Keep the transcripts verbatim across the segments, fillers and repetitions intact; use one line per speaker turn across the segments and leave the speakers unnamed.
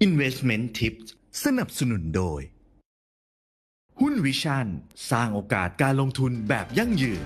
Investment Tips สนับสนุนโดยหุ้นวิชั่นสร้างโอกาสการลงทุนแบบยั่งยืน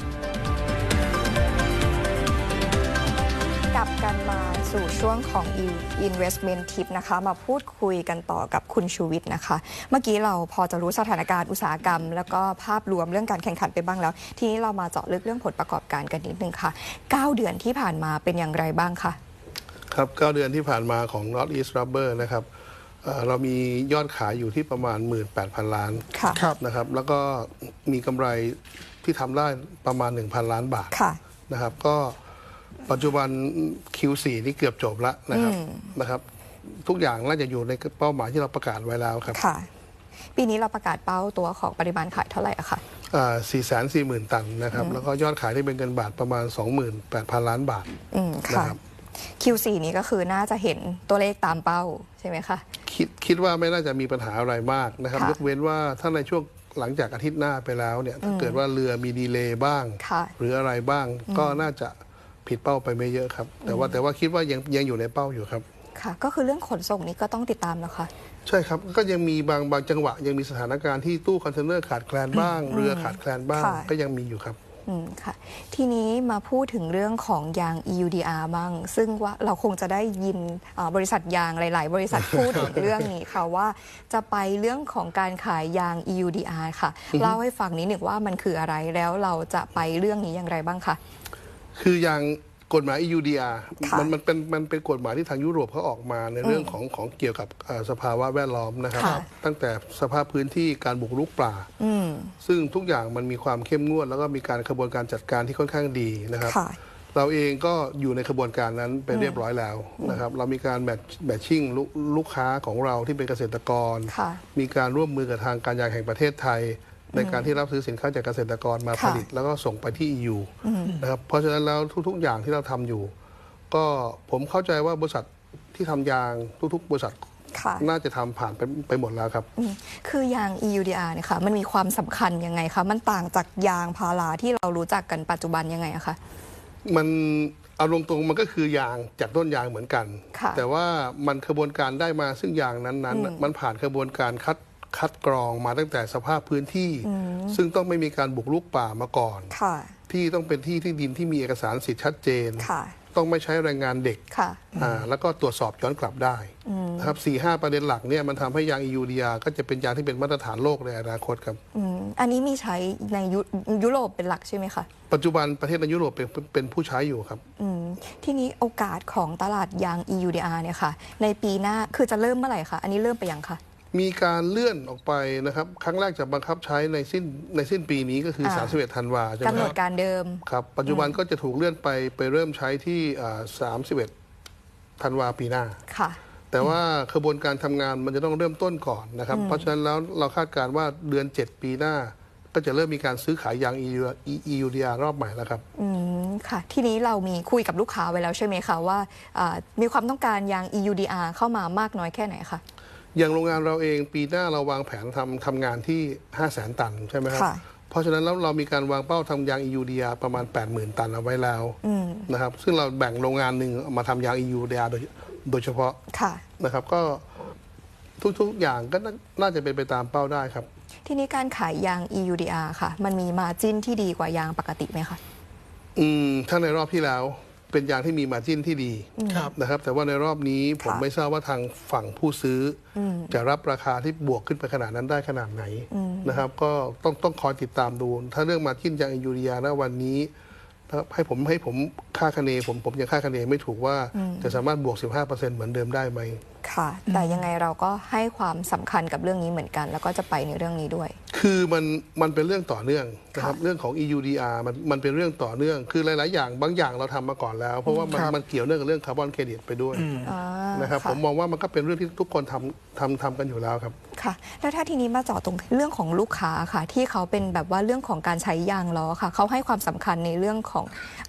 กลับกันมาสู่ช่วงของ Investment Tip นะคะมาพูดคุยกันต่อกับคุณชูวิทย์นะคะเมื่อกี้เราพอจะรู้สถานการณ์อุตสาหกรรมแล้วก็ภาพรวมเรื่องการแข่งขันไปบ้างแล้วทีนี้เรามาเจาะลึกเรื่องผลประกอบการกันนิดนึงค่ะเก้าเดือนที่ผ่านมาเป็นอย่างไรบ้างคะ
ครับเก้าเดือนที่ผ่านมาของ North East Rubber นะครับเรามียอดขายอยู่ที่ประมาณ หนึ่งหมื่นแปดพัน ล้านนะครับแล้วก็มีกำไรที่ทำได้ประมาณ หนึ่งพัน ล้านบาทนะครับก็ปัจจุบัน คิว โฟร์ นี่เกือบจบแล้วนะครับนะครับทุกอย่างน่าจะอยู่ในเป้าหมายที่เราประกาศไว้แล้วครับ
ค่ะปีนี้เราประกาศเป้าตัวของปริมาณขายเท่าไหร่อะคะ
สี่แสนสี่หมื่น ตันนะครับแล้วก็ยอดขายที่เป็นเงินบาทประมาณ สองหมื่นแปดพัน ล้านบาท
นะครับ คิว โฟร์ นี้ก็คือน่าจะเห็นตัวเลขตามเป้าใช่ไหมคะ
คิดคิดว่าไม่น่าจะมีปัญหาอะไรมากนะครับยกเว้นว่าถ้าในช่วงหลังจากอาทิตย์หน้าไปแล้วเนี่ยถ้าเกิดว่าเรือมีดีเลย์บ้างหรืออะไรบ้างก็น่าจะผิดเป้าไปไม่เยอะครับแต่ว่าแต่ว่าคิดว่ายังยังอยู่ในเป้าอยู่ครับ
ค่ะก็คือเรื่องขนส่งนี้ก็ต้องติดตามแล้วค่ะ
ใช่ครับก็ยังมีบางบางจังหวะยังมีสถานการณ์ที่ตู้คอนเทนเนอร์ขาดแคลนบ้างเรือขาดแคลนบ้างก็ยังมีอยู่ครับ
อืมค่ะทีนี้มาพูดถึงเรื่องของยาง อี ยู ดี อาร์ บ้างซึ่งว่าเราคงจะได้ยินบริษัทยางหลายๆบริษัทพูดถึงเรื่องนี้ค่ะว่าจะไปเรื่องของการขายยาง อี ยู ดี อาร์ ค่ะเล่าให้ฟังนิดหนึ่งว่ามันคืออะไรแล้วเราจะไปเรื่องนี้อย่างไรบ้างคะ
คือยางกฎหมาย อี ยู ดี อาร์ มันมันเป็นมันเป็นกฎหมายที่ทางยุโรปเขาออกมาในเรื่องของของเกี่ยวกับสภาวะแวดล้อมนะครับตั้งแต่สภาพพื้นที่การบุกรุกป่าซึ่งทุกอย่างมันมีความเข้มงวดแล้วก็มีการกระบวนการจัดการที่ค่อนข้างดีนะครับเราเองก็อยู่ในกระบวนการนั้นไปเรียบร้อยแล้วนะครับเรามีการแมทแมทชิ่งลูกค้าของเราที่เป็นเกษตรกรมีการร่วมมือกับทางการยางแห่งประเทศไทยในการที่รับซื้อสินค้าจากเกษตรกรมาผลิตแล้วก็ส่งไปที่ อี ยู นะครับเพราะฉะนั้นแล้วทุกๆอย่างที่เราทำอยู่ก็ผมเข้าใจว่าบริษัทที่ทำยางทุกๆบริษัทน่าจะทำผ่านไปไปหมดแล้วครับ
คือยาง อี ยู ดี อาร์ เนี่ยค่ะมันมีความสำคัญยังไงคะมันต่างจากยางพาราที่เรารู้จักกันปัจจุบันยังไงอะคะ
มันเอาตรงๆมันก็คือยางจากต้นยางเหมือนกันแต่ว่ามันกระบวนการได้มาซึ่งยางนั้นๆมันผ่านกระบวนการคัดคัดกรองมาตั้งแต่สภาพพื้นที่ซึ่งต้องไม่มีการบุกรุกป่ามาก่อนที่ต้องเป็นที่ที่ดินที่มีเอกสารสิทธิ์ชัดเจนต้องไม่ใช้แรงงานเด็กแล้วก็ตรวจสอบย้อนกลับได้นะครับสี่ห้าประเด็นหลักเนี่ยมันทำให้ยาง อี ยู ดี อาร์ ก็จะเป็นยางที่เป็นมาตรฐานโลกในอนาคตครับ
อันนี้มีใช้ในยุโรปเป็นหลักใช่ไหมคะ
ปัจจุบันประเทศในยุโรปเป็นเป็นผู้ใช้อยู่ครับ
ที่นี้โอกาสของตลาดยาง อี ยู ดี อาร์ เนี่ยค่ะในปีหน้าคือจะเริ่มเมื่อไหร่คะอันนี้เริ่มไปยังคะ
มีการเลื่อนออกไปนะครับครั้งแรกจะบังคับใช้ในสิ้นในสิ้นปีนี้ก็คือสามสิบเอ็ดธันวาใช่ไหม
กำหนดการเดิม
ครับปัจจุบันก็จะถูกเลื่อนไปไปเริ่มใช้ที่สามสิบเอ็ดธันวาปีหน้าค่ะแต่ว่ากระบวนการทำงานมันจะต้องเริ่มต้นก่อนนะครับเพราะฉะนั้นแล้วเราคาดการณ์ว่าเดือนเจ็ดปีหน้าก็จะเริ่มมีการซื้อขายยาง อี ยู ดี อาร์ รอบใหม่แล้วครับ
อืมค่ะทีนี้เรามีคุยกับลูกค้าไว้แล้วใช่ไหมคะว่ามีความต้องการยาง อี ยู ดี อาร์ เข้ามามากน้อยแค่ไหนคะ
อย่างโรงงานเราเองปีหน้าเราวางแผนทำทำงานที่ ห้าแสน ตันใช่ไหมครับเพราะฉะนั้นแล้วเรามีการวางเป้าทำยาง อี ยู ดี อาร์ ประมาณ แปดหมื่น ตันเอาไว้แล้วนะครับซึ่งเราแบ่งโรงงานหนึ่งมาทำยาง อี ยู ดี อาร์ โดยโดยเฉพาะนะครับก็ทุกๆอย่างก็น่าจะเป็นไปตามเป้าได้ครับ
ทีนี้การขายยาง อี ยู ดี อาร์ ค่ะมันมีมาร์จิ้นที่ดีกว่ายางปกติไหมคะ
อืมถ้าในรอบที่แล้วเป็นยางที่มีมาร์จิ้นที่ดีนะครับแต่ว่าในรอบนี้ผมไม่ทราบว่าทางฝั่งผู้ซื้อจะรับราคาที่บวกขึ้นไปขนาดนั้นได้ขนาดไหนนะครับก็ต้องต้องคอยติดตามดูถ้าเรื่องมาร์จิ้นยาง อี ยู ดี อาร์ ณวันนี้ให้ผมให้ผมค่าคะเนผมผมยังค่าคะเนไม่ถูกว่าจะสามารถบวก สิบห้าเปอร์เซ็นต์ เหมือนเดิมได้ไหม
ค่ะแต่ยังไงเราก็ให้ความสำคัญกับเรื่องนี้เหมือนกันแล้วก็จะไปในเรื่องนี้ด้วย
คือมันมันเป็นเรื่องต่อเนื่องนะครับเรื่องของ อี ยู ดี อาร์ มันมันเป็นเรื่องต่อเนื่องคือหลายๆอย่างบางอย่างเราทำมาก่อนแล้วเพราะว่ามันมันเกี่ยวเนื่องกับเรื่องคาร์บอนเครดิตไปด้วยนะครับผมมองว่ามันก็เป็นเรื่องที่ทุกคนทำทำทำกันอยู่แล้วครับ
ค่ะแล้วถ้าทีนี้มาเจาะตรงเรื่องของลูกค้าค่ะที่เขาเป็นแบบว่าเรื่องของการใช้ยางล้อค่ะเขาให้ความสำคัญในเรื่องของ อี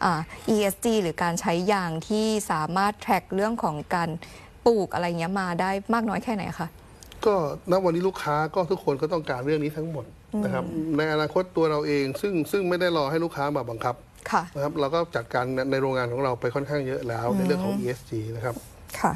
เอส จี หรือการใช้ยางที่สามารถแทร็กเรื่องของการปลูกอะไรเงี้ยมาได้มากน้อยแค่ไหนคะ
ก็ณวันนี้ลูกค้าก็ทุกคนก็ต้องการเรื่องนี้ทั้งหมดนะครับในอนาคตตัวเราเองซึ่งซึ่งไม่ได้รอให้ลูกค้ามาบังคับนะครับเราก็จัดการในโรงงานของเราไปค่อนข้างเยอะแล้วในเรื่องของ อี เอส จี นะครับ
ค่ะ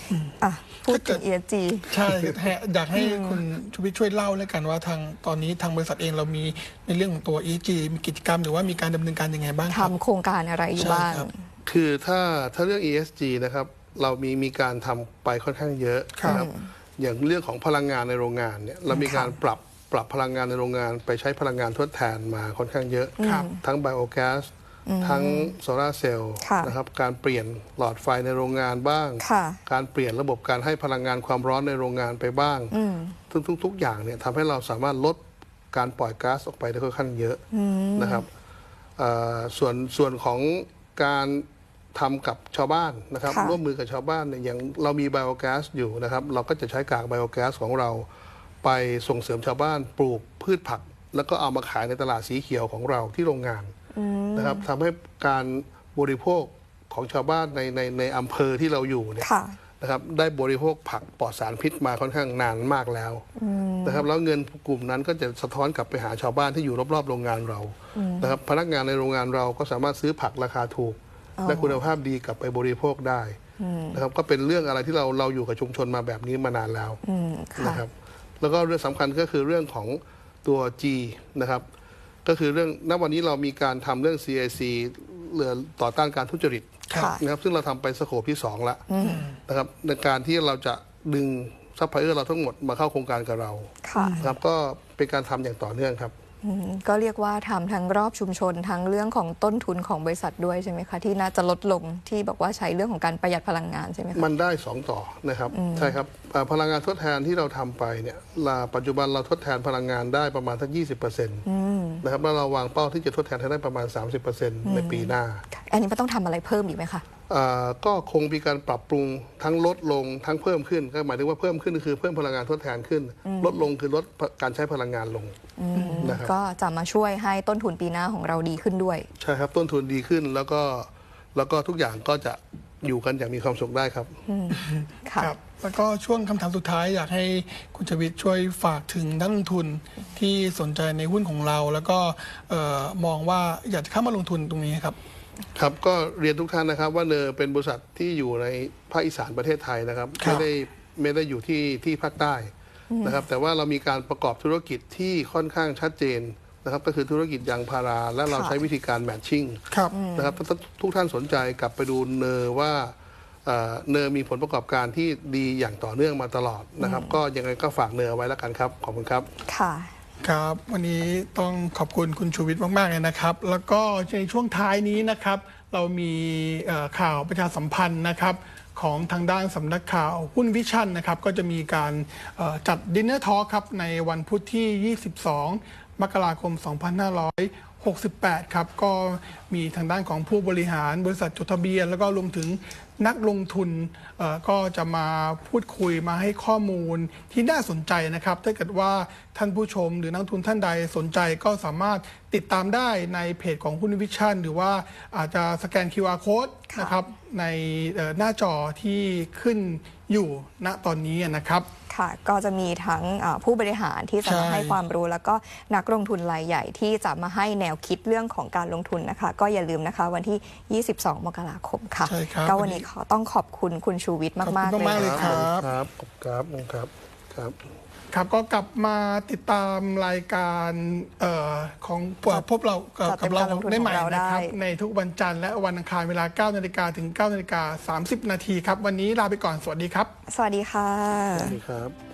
อ่ะพูดถึง อี เอส จี
ใช่อยากให้คุณชูวิทย์ช่วยเล่าแล้วกันว่าทางตอนนี้ทางบริษัทเองเรามีในเรื่องของตัว อี เอส จี มีกิจกรรมหรือว่ามีการดำเนินการยังไงบ้างครับ
ทำโครงการอะไรอยู่บ้าง
ใช่ครับ
คือถ้าถ้าเรื่อง อี เอส จี นะครับเรามีมีการทำไปค่อนข้างเยอะนะครับอย่างเรื่องของพลังงานในโรงงานเนี่ยเรามีการปรับปรับพลังงานในโรงงานไปใช้พลังงานทดแทนมาค่อนข้างเยอะ ทั้งไบโอแก๊สทั้งโซลาร์เซลล์
ค่ะ
นะครับการเปลี่ยนหลอดไฟในโรงงานบ้าง
ค่ะ
การเปลี่ยนระบบการให้พลังงานความร้อนในโรงงานไปบ้างทุกทุกทุกอย่างเนี่ยทำให้เราสามารถลดการปล่อยก๊าซออกไปได้ค่อนข้างเยอะนะครับเอ่อส่วนส่วนของการทำกับชาวบ้านนะครับ
ค่ะ
ร่วมมือกับชาวบ้านเนี่ยอย่างเรามีไบโอแก๊สอยู่นะครับเราก็จะใช้กากไบโอแก๊สของเราไปส่งเสริมชาวบ้านปลูกพืชผัก แล้วก็เอามาขายในตลาดสีเขียวของเราที่โรงงานนะครับทำให้การบริโภคของชาวบ้านในในในอำเภอที่เราอยู่เนี่ย
ค่ะ
นะครับได้บริโภคผักปลอดสารพิษมาค่อนข้างนานมากแล้วนะครับแล้วเงินกลุ่มนั้นก็จะสะท้อนกลับไปหาชาวบ้านที่อยู่รอบๆโรงงานเรานะครับพนักงานในโรงงานเราก็สามารถซื้อผักราคาถูก และคุณภาพดีกลับไปบริโภคได้นะครับก็เป็นเรื่องอะไรที่เราเราอยู่กับชุมชนมาแบบนี้มานานแล้วนะครับแล้วก็เรื่องสำคัญก็คือเรื่องของตัว G นะครับก็คือเรื่องณวันนี้เรามีการทำเรื่อง ซี ไอ ซี เรื่องต่อต้านการทุจริต
ค่ะ
นะครับซึ่งเราทำไปสโคปที่สองแล้วนะครับในการที่เราจะดึงซัพพลายเออร์เราทั้งหมดมาเข้าโครงการกับเรา
ค่ะ
นะครับก็เป็นการทำอย่างต่อเนื่องครับ
อืมก็เรียกว่าทำทั้งรอบชุมชนทั้งเรื่องของต้นทุนของบริษัทด้วยใช่ไหมคะที่น่าจะลดลงที่บอกว่าใช้เรื่องของการประหยัดพลังงานใช่ไหมคะ
มันได้สองต่อนะครับใช่ครับเอ่อพลังงานทดแทนที่เราทำไปเนี่ยลาปัจจุบันเราทดแทนพลังงานได้ประมาณสักยี่สิบเปอร์เซ็นต์นะครับแล้วเราวางเป้าที่จะทดแทนให้ได้ประมาณ สามสิบเปอร์เซ็นต์ ในปีหน้า
อันนี้มันต้องทำอะไรเพิ่มอีกไหมคะ
อ่าก็คงมีการปรับปรุงทั้งลดลงทั้งเพิ่มขึ้นก็หมายถึงว่าเพิ่มขึ้นก็คือเพิ่มพลังงานทดแทนขึ้น ลดลงคือลดการใช้พลังงานลงนะครับ
ก็จะมาช่วยให้ต้นทุนปีหน้าของเราดีขึ้นด้วย
ใช่ครับต้นทุนดีขึ้นแล้วก็แล้วก็ทุกอย่างก็จะอยู่กันอย่างมีความสุขได้ครับ
ค่ะ
ครับแล้วก็ช่วงคำถามสุดท้ายอยากให้คุณชวิตช่วยฝากถึงนักลงทุนที่สนใจในหุ้นของเรา แล้วก็เอ่อมองว่าอยากจะเข้ามาลงทุนตรงนี้ครับ
ครับก็เรียนทุกท่านนะครับว่าเนอเป็นบริษัทที่อยู่ในภาคอีสานประเทศไทยนะครับ
ครับ
ไม่ได้ไม่ได้อยู่ที่ที่ภาคใต้นะครับแต่ว่าเรามีการประกอบธุรกิจที่ค่อนข้างชัดเจนนะครับก็คือธุรกิจยางพาราและเรา
ค่ะ
ใช้วิธีการแมทชิ่ง
ครับ
นะครับถ้าทุกท่านสนใจกลับไปดูเนอว่าเอ่อเนอมีผลประกอบการที่ดีอย่างต่อเนื่องมาตลอดนะครับก็ยังไงก็ฝากเนอไว้แล้วกันครับขอบคุณครับ
ค่ะ
ครับวันนี้ต้องขอบคุณคุณชูวิทย์มากๆเลยนะครับ แล้วก็ในช่วงท้ายนี้นะครับ เรามีเอ่อข่าวประชาสัมพันธ์นะครับของทางด้านสำนักข่าวหุ้นวิชั่นนะครับก็จะมีการเอ่อจัดดินเนอร์ทอล์คครับในวันพุธที่ ยี่สิบสอง มกราคม สองพันห้าร้อยหกสิบแปด ครับก็มีทางด้านของผู้บริหารบริษัทจดทะเบียน แล้วก็รวมถึงนักลงทุนเอ่อก็จะมาพูดคุยมาให้ข้อมูลที่น่าสนใจนะครับ ถ้าเกิดว่าท่านผู้ชมหรือนักลงทุนท่านใดสนใจก็สามารถติดตามได้ในเพจของหุ้นวิชั่นหรือว่าอาจจะสแกน คิว อาร์ Code
ค่ะ
นะครับในเอ่อหน้าจอที่ขึ้นอยู่ณตอนนี้นะครับ
ค่ะก็จะมีทั้งเอ่อผู้บริหารที่จะมา
ใช่
ให้ความรู้ แล้วก็นักลงทุนรายใหญ่ที่จะมาให้แนวคิดเรื่องของการลงทุนนะคะ ก็อย่าลืมนะคะวันที่ ยี่สิบสอง มกราคมค่ะ
ใช่ครับ
ก็วันนี้ขอต้องขอบคุณคุณชูวิทย์มาก
ขอบคุณ
ๆ เลย
มากๆเลย
นะ
ครั
คะ
บ
ครับครับครับครับ
ครับก็กลับมาติดตามรายการเออของพวกเราเอ่อ
จัดเต็
กับ
ม
เรา
การลงทุน
ได้ใหม่
ของเรา
นะครับ
ได้
ในทุกวันจันทร์และวันอังคารเวลา เก้านาฬิกาถึง เก้านาฬิกาสามสิบนาทีครับ วันนี้ลาไปก่อนสวัสดีครับ
สวัสดีค่ะ
สวัสดีครับ